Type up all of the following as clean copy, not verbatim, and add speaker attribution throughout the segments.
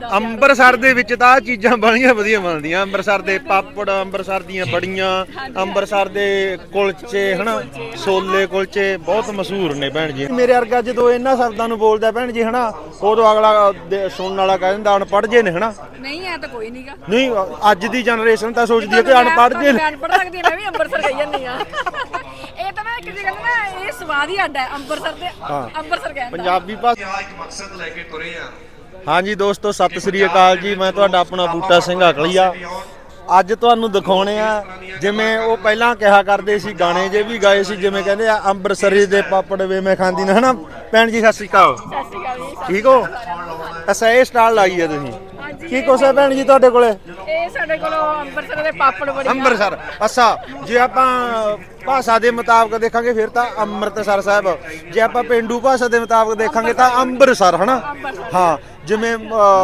Speaker 1: ਅੰਮ੍ਰਿਤਸਰ ਦੇ ਵਿੱਚ ਤਾਂ ਚੀਜ਼ਾਂ ਬੜੀਆਂ ਵਧੀਆ ਮਿਲਦੀਆਂ। ਅੰਮ੍ਰਿਤਸਰ ਦੇ ਪਾਪੜ, ਅੰਮ੍ਰਿਤਸਰ ਦੀਆਂ ਬੜੀਆਂ, ਅੰਮ੍ਰਿਤਸਰ ਦੇ ਕੁਲਚੇ ਹਨਾ, ਛੋਲੇ ਕੁਲਚੇ ਬਹੁਤ ਮਸ਼ਹੂਰ ਨੇ ਭੈਣ ਜੀ। ਮੇਰੇ ਵਰਗਾ ਜਦੋਂ ਇਹਨਾਂ ਸ਼ਬਦਾਂ ਨੂੰ ਬੋਲਦਾ ਭੈਣ ਜੀ ਹਨਾ, ਉਦੋਂ ਅਗਲਾ ਸੁਣਨ ਵਾਲਾ ਕਹਿ ਦਿੰਦਾ ਅਨਪੜ੍ਹ ਜੇ ਨੇ ਹਨਾ।
Speaker 2: ਨਹੀਂ ਐ ਤਾਂ ਕੋਈ ਨਹੀਂਗਾ।
Speaker 1: ਨਹੀਂ, ਅੱਜ ਦੀ ਜਨਰੇਸ਼ਨ ਤਾਂ ਸੋਚਦੀ ਹੈ ਕਿ ਅਨਪੜ੍ਹ ਜੇ ਨੇ।
Speaker 2: ਅਨਪੜ੍ਹ ਲੱਗਦੀ ਮੈਂ ਵੀ ਅੰਮ੍ਰਿਤਸਰ ਗਈ ਜਾਂਦੀ ਆ। ਇਹ ਤਾਂ ਮੈਂ ਕਿਸੇ ਗੱਲ ਨਾ ਇਹ ਸਵਾਦ ਹੀ ਅੱਡ ਹੈ ਅੰਮ੍ਰਿਤਸਰ ਦੇ। ਅੰਮ੍ਰਿਤਸਰ ਕਹਿੰਦਾ
Speaker 1: ਪੰਜਾਬੀ ਭਾਸ਼ਾ
Speaker 3: ਇੱਕ ਮਕਸਦ ਲੈ ਕੇ ਤੁਰੇ ਆ।
Speaker 1: ਹਾਂਜੀ ਦੋਸਤੋ, ਸਤਿ ਸ੍ਰੀ ਅਕਾਲ ਜੀ। ਮੈਂ ਤੁਹਾਡਾ ਆਪਣਾ ਬੂਟਾ ਸਿੰਘ ਅਕਲੀਆ। ਅੱਜ ਤੁਹਾਨੂੰ ਦਿਖਾਉਣੇ ਆ ਜਿਵੇਂ ਉਹ ਪਹਿਲਾਂ ਕਿਹਾ ਕਰਦੇ ਸੀ, ਗਾਣੇ ਜੇ ਵੀ ਗਾਏ ਸੀ, ਜਿਵੇਂ ਕਹਿੰਦੇ ਆ ਅੰਮ੍ਰਿਤਸਰੀ ਦੇ ਪਾਪੜ ਵੇ ਮੈਂ ਖਾਂਦੀ ਨਾ ਹਨਾ। ਭੈਣ ਜੀ ਸਤਿ ਸ੍ਰੀ ਅਕਾਲ।
Speaker 2: ਸਤਿ ਸ਼੍ਰੀ ਅਕਾਲ ਜੀ।
Speaker 1: ਠੀਕ ਹੋ? ਅੱਛਾ, ਇਹ ਸਟਾਲ ਲਾਈ ਹੈ ਤੁਸੀਂ। ਕੀ ਕੁਛ ਹੈ ਭੈਣ ਜੀ ਤੁਹਾਡੇ ਕੋਲੇ?
Speaker 2: ਇਹ ਸਾਡੇ ਕੋਲ ਅੰਮ੍ਰਿਤਸਰ ਦੇ ਪਾਪੜ ਬੜੀ
Speaker 1: ਅੰਮ੍ਰਿਤਸਰ। ਅੱਛਾ, ਜੇ ਆਪਾਂ ਭਾਸ਼ਾ ਦੇ ਮੁਤਾਬਕ ਦੇਖਾਂਗੇ ਫਿਰ ਤਾਂ ਅੰਮ੍ਰਿਤਸਰ ਸਾਹਿਬ, ਜੇ ਆਪਾਂ ਪਿੰਡੂ ਭਾਸ਼ਾ ਦੇ ਮੁਤਾਬਕ ਦੇਖਾਂਗੇ ਤਾਂ ਅੰਮ੍ਰਿਤਸਰ ਹਨਾ। ਹਾਂ, ਜਿਵੇਂ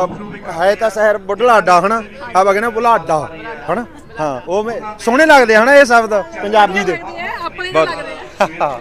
Speaker 1: ਹੈ ਤਾਂ ਸ਼ਹਿਰ ਬੁਢਲਾਡਾ ਹਨਾ, ਆਪਾਂ ਕਹਿੰਦੇ ਬੁਢਲਾਡਾ ਹਨਾ। ਹਾਂ, ਉਹ ਸੋਹਣੇ ਲੱਗਦੇ ਹਨਾ ਇਹ ਸ਼ਬਦ ਪੰਜਾਬੀ ਦੇ।
Speaker 2: ਆਪਣੇ ਦੇ ਲੱਗਦੇ ਆ।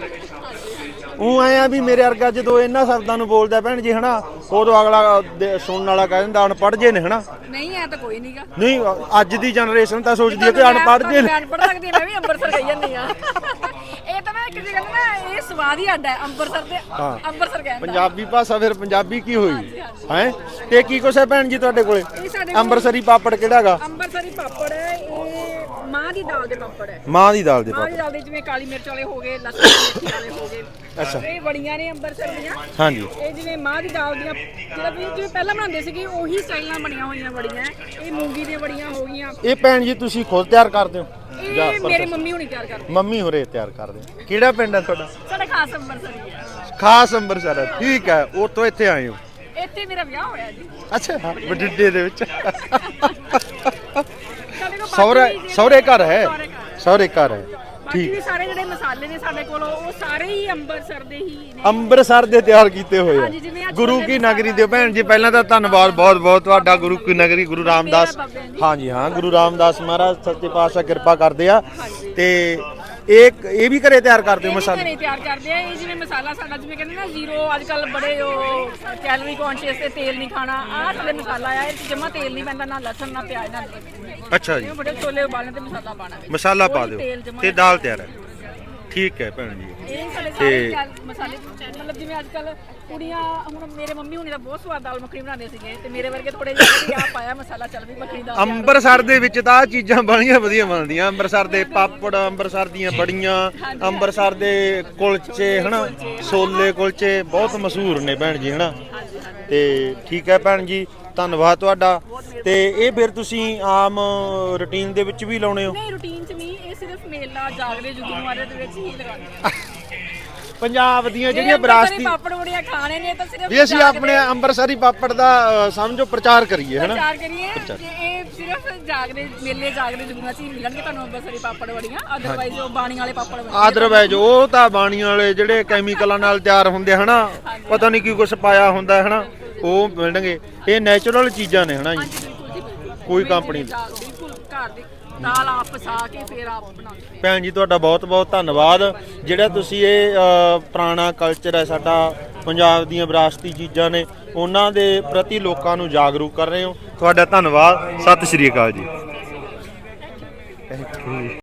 Speaker 1: ਉਹ ਆਏ ਆ ਵੀ ਮੇਰੇ ਵਰਗਾ ਜਦੋਂ ਇਹਨਾਂ ਸ਼ਬਦਾਂ ਨੂੰ ਬੋਲਦਾ ਭੈਣ ਜੀ ਹਨਾ, ਉਦੋਂ ਅਗਲਾ ਸੁਣਨ ਵਾਲਾ ਕਹਿ ਦਿੰਦਾ ਅਨਪੜ੍ਹ ਜੇ ਨੇ ਹਨਾ।
Speaker 2: ਨਹੀਂ ਐ ਤਾਂ ਕੋਈ ਨਹੀਂਗਾ।
Speaker 1: ਨਹੀਂ, ਅੱਜ ਦੀ ਜਨਰੇਸ਼ਨ ਤਾਂ ਸੋਚਦੀ ਹੈ ਕਿ ਅਨਪੜ੍ਹ ਜੇ ਨੇ।
Speaker 2: ਅਨਪੜ੍ਹ ਲੱਗਦੀ ਮੈਂ ਵੀ ਅੰਮ੍ਰਿਤਸਰ ਗਈ ਜਾਂਦੀ ਆ। ਇਹ ਤਾਂ ਮੈਂ ਕਿਸੇ ਗੱਲ ਨਾ ਇਹ ਸਵਾਦ ਹੀ ਅੱਡ ਹੈ ਅੰਮ੍ਰਿਤਸਰ ਦੇ। ਅੰਮ੍ਰਿਤਸਰ ਕਹਿੰਦਾ
Speaker 1: ਪੰਜਾਬੀ ਭਾਸ਼ਾ ਫਿਰ ਪੰਜਾਬੀ ਕੀ ਹੋਈ ਹੈ? ਤੇ ਕੀ ਕੁਛ ਹੈ ਭੈਣ ਜੀ ਤੁਹਾਡੇ ਕੋਲੇ? ਅੰਮ੍ਰਿਤਸਰੀ ਪਾਪੜ ਕਿਹੜਾ ਹੈਗਾ?
Speaker 2: ਅੰਮ੍ਰਿਤਸਰੀ ਪਾਪੜ ਇਹ ਮਾਂ ਦੀ ਦਾਲ ਦੇ ਪਾਪੜ ਹੈ।
Speaker 1: ਮਾਂ ਦੀ ਦਾਲ ਦੇ
Speaker 2: ਮਾਂ
Speaker 1: ਪਾਪੜ।
Speaker 2: ਦੀ ਦਾਲ ਦੇ ਜਿਵੇਂ ਕਾਲੀ ਮਿਰਚ ਵਾਲੇ ਹੋ ਗਏ, ਲਸਣ ਮਿਰਚ ਵਾਲੇ ਹੋ ਗਏ।
Speaker 1: ਅੱਛਾ,
Speaker 2: ਇਹ ਬੜੀਆਂ ਨੇ ਅੰਮ੍ਰਿਤਸਰ ਦੀਆਂ।
Speaker 1: ਹਾਂਜੀ।
Speaker 2: ਇਹ ਜਿਵੇਂ ਮਾਂ ਦੀ ਦਾਲ ਦੀਆਂ ਜਿਵੇਂ ਪਹਿਲਾਂ ਬਣਾਉਂਦੇ ਸੀਗੇ ਉਹੀ ਸਟਾਈਲ ਨਾਲ ਬਣੀਆਂ ਹੋਈਆਂ ਬੜੀਆਂ। ਇਹ ਮੂੰਗੀ ਦੀਆਂ ਬੜੀਆਂ ਹੋ ਗਈਆਂ।
Speaker 1: ਇਹ ਭੈਣ ਜੀ ਤੁਸੀਂ ਖੁਦ ਤਿਆਰ ਕਰਦੇ ਹੋ?
Speaker 2: ਇਹ ਮੇਰੇ ਮੰਮੀ ਹੁਣੀ ਤਿਆਰ ਕਰਦੇ।
Speaker 1: ਮੰਮੀ ਹੋਰੇ ਤਿਆਰ ਕਰਦੇ। ਕਿਹੜਾ ਪਿੰਡ ਹੈ ਤੁਹਾਡਾ?
Speaker 2: ਸਾਡਾ ਖਾਸ ਅੰਮ੍ਰਿਤਸਰ ਹੀ ਹੈ।
Speaker 1: ਖਾਸ ਅੰਮ੍ਰਿਤਸਰ ਹੈ, ਠੀਕ ਹੈ। ਉਹ ਤੋਂ ਇੱਥੇ ਆਏ ਹੋ?
Speaker 2: ਇੱਥੇ ਮੇਰਾ ਵਿਆਹ ਹੋਇਆ ਜੀ।
Speaker 1: ਅੱਛਾ, ਬਠਿੰਡੇ ਦੇ ਵਿੱਚ।
Speaker 2: ਸਾਡੇ ਕੋਲ
Speaker 1: ਸਹੁਰੇ ਘਰ ਹੈ? ਸਹੁਰੇ ਘਰ ਹੈ,
Speaker 2: ਬਾਕੀ ਵੀ ਸਾਰੇ ਜਿਹੜੇ ਮਸਾਲੇ ਨੇ ਸਾਡੇ ਕੋਲ ਉਹ ਸਾਰੇ ਹੀ ਅੰਮ੍ਰਿਤਸਰ ਦੇ ਹੀ ਨੇ।
Speaker 1: ਅੰਮ੍ਰਿਤਸਰ ਦੇ ਤਿਆਰ ਕੀਤੇ ਹੋਏ
Speaker 2: ਹਾਂਜੀ, ਜਿਵੇਂ
Speaker 1: ਆ।
Speaker 2: ਅੱਜ
Speaker 1: ਗੁਰੂ ਕੀ ਨਗਰੀ ਦੇ ਭੈਣ ਜੀ ਪਹਿਲਾਂ ਤਾਂ ਧੰਨਵਾਦ ਬਹੁਤ ਬਹੁਤ ਤੁਹਾਡਾ। ਗੁਰੂ ਕੀ ਨਗਰੀ ਗੁਰੂ ਰਾਮਦਾਸ। ਹਾਂਜੀ ਹਾਂ, ਗੁਰੂ ਰਾਮਦਾਸ ਮਹਾਰਾਜ ਸੱਚੇ ਪਾਤਸ਼ਾਹ ਕਿਰਪਾ ਕਰਦੇ ਆ। ਤੇ ਇਹ ਵੀ ਘਰੇ ਤਿਆਰ ਕਰਦੇ ਹੋ ਮਸਾਲੇ?
Speaker 2: ਘਰੇ ਤਿਆਰ ਕਰਦੇ ਆ। ਇਹ ਜਿਵੇਂ ਮਸਾਲਾ ਸਾਡਾ ਜਿਵੇਂ ਕਹਿੰਦੇ ਨਾ ਜ਼ੀਰੋ, ਅੱਜ ਕੱਲ ਬੜੇ ਉਹ ਕੈਲੋਰੀ ਕੌਨਸ਼ੀਅਸ ਤੇ ਤੇਲ ਨਹੀਂ ਖਾਣਾ। ਆਹ ਸਾਡੇ ਮਸਾਲਾ ਆ, ਇਹ ਜਮਾ ਤੇਲ ਨਹੀਂ ਪੈਂਦਾ, ਨਾ ਲਸਣ ਨਾ ਪਿਆਜ਼ ਨਾ।
Speaker 1: ਅੱਛਾ ਜੀ।
Speaker 2: ਬੜੇ ਛੋਲੇ ਉਬਾਲਣੇ ਤੇ ਮਸਾਲਾ ਪਾਣਾ।
Speaker 1: ਮਸਾਲਾ ਪਾ ਦਿਓ ਤੇ ਦਾਲ ਤਿਆਰ ਹੈ। ਠੀਕ ਹੈ ਭੈਣ ਜੀ।
Speaker 2: ਇਹ ਸਾਡੇ ਸਾਰੇ ਮਸਾਲੇ ਮਤਲਬ ਜਿਵੇਂ ਅੱਜ ਕੱਲ ਕੁੜੀਆਂ, ਹੁਣ ਮੇਰੇ ਮੰਮੀ ਹੁਣੀ ਦਾ ਬਹੁਤ ਸਵਾਦ ਦਾਲ ਮੱਖਣੀ ਬਣਾਉਂਦੇ ਸੀਗੇ ਤੇ ਮੇਰੇ ਵਰਗੇ ਥੋੜੇ ਜਿਹੇ ਆ ਪਾਇਆ ਮਸਾਲਾ, ਚੱਲ ਵੀ ਮੱਖਣੀ ਦਾ।
Speaker 1: ਅੰਮ੍ਰਿਤਸਰ ਦੇ ਵਿੱਚ ਤਾਂ ਚੀਜ਼ਾਂ ਬੜੀਆਂ ਵਧੀਆ ਮਿਲਦੀਆਂ। ਅੰਮ੍ਰਿਤਸਰ ਦੇ ਪਾਪੜ, ਅੰਮ੍ਰਿਤਸਰ ਦੀਆਂ ਬੜੀਆਂ, ਅੰਮ੍ਰਿਤਸਰ ਦੇ ਕੁਲਚੇ ਹਨਾ, ਛੋਲੇ ਕੁਲਚੇ ਬਹੁਤ ਮਸ਼ਹੂਰ ਨੇ ਭੈਣ ਜੀ ਹਨਾ। ਤੇ ਠੀਕ ਹੈ ਭੈਣ ਜੀ, ਧੰਨਵਾਦ ਤੁਹਾਡਾ। ਤੇ ਇਹ ਫਿਰ ਤੁਸੀਂ ਆਮ ਰੁਟੀਨ ਦੇ ਵਿੱਚ ਵੀ ਲਾਉਣੇ ਹੋ?
Speaker 2: ਨਹੀਂ, ਰੂਟੀਨ ਚ ਨਹੀਂ, ਇਹ ਸਿਰਫ ਮੇਲਾ ਜਾਗਦੇ ਜੁਗਨਵਾਰੇ ਦੇ ਵਿੱਚ ਹੀ ਲਗਾਉਂਦੇ।
Speaker 1: ਪੰਜਾਬ ਦੀਆਂ ਜਿਹੜੀਆਂ ਵਿਰਾਸਤੀ
Speaker 2: ਪਾਪੜ ਬੜੀਆਂ ਖਾਣੇ ਨੇ ਤਾਂ ਸਿਰਫ
Speaker 1: ਵੀ ਅਸੀਂ ਆਪਣੇ ਅੰਮ੍ਰਿਤਸਰੀ ਪਾਪੜ ਦਾ ਸਮਝੋ ਪ੍ਰਚਾਰ ਕਰੀਏ ਹਨਾ।
Speaker 2: ਪ੍ਰਚਾਰ ਕਰੀਏ ਕਿ ਇਹ ਸਿਰਫ ਜਾਗਦੇ ਮੇਲੇ ਜਾਗਦੇ ਜੁਗਨਾਂ ਚ ਹੀ ਮਿਲਣਗੇ ਤੁਹਾਨੂੰ ਅੰਮ੍ਰਿਤਸਰੀ ਪਾਪੜ ਬੜੀਆਂ। ਅਦਰਵਾਈਜ਼ ਉਹ ਬਾਣੀ ਵਾਲੇ ਪਾਪੜ ਬੜੀਆਂ,
Speaker 1: ਅਦਰਵਾਈਜ਼ ਉਹ ਤਾਂ ਬਾਣੀਆਂ ਵਾਲੇ ਜਿਹੜੇ ਕੈਮੀਕਲਾਂ ਨਾਲ ਤਿਆਰ ਹੁੰਦੇ ਹਨਾ, ਪਤਾ ਨਹੀਂ ਕੀ ਕੁਛ ਪਾਇਆ ਹੁੰਦਾ ਹਨਾ, ਉਹ ਮਿਲਣਗੇ। ਇਹ ਨੈਚੁਰਲ ਚੀਜ਼ਾਂ ਨੇ ਹਨਾ ਜੀ, ਕੋਈ ਕੰਪਨੀ ਦੀ।
Speaker 2: ਬਿਲਕੁਲ ਘਰ ਦੀ ਦਾਲ ਆਪ ਪਸਾ ਕੇ ਫੇਰ ਆਪ ਬਣਾਉਂਦੇ।
Speaker 1: ਭੈਣ ਜੀ ਤੁਹਾਡਾ ਬਹੁਤ ਬਹੁਤ ਧੰਨਵਾਦ। ਜਿਹੜਾ ਤੁਸੀਂ ਇਹ ਪੁਰਾਣਾ ਕਲਚਰ ਹੈ ਸਾਡਾ, ਪੰਜਾਬ ਦੀਆਂ ਵਿਰਾਸਤੀ ਚੀਜ਼ਾਂ ਨੇ, ਉਹਨਾਂ ਦੇ ਪ੍ਰਤੀ ਲੋਕਾਂ ਨੂੰ ਜਾਗਰੂਕ ਕਰ ਰਹੇ ਹੋ। ਤੁਹਾਡਾ ਧੰਨਵਾਦ। ਸਤਿ ਸ਼੍ਰੀ ਅਕਾਲ ਜੀ।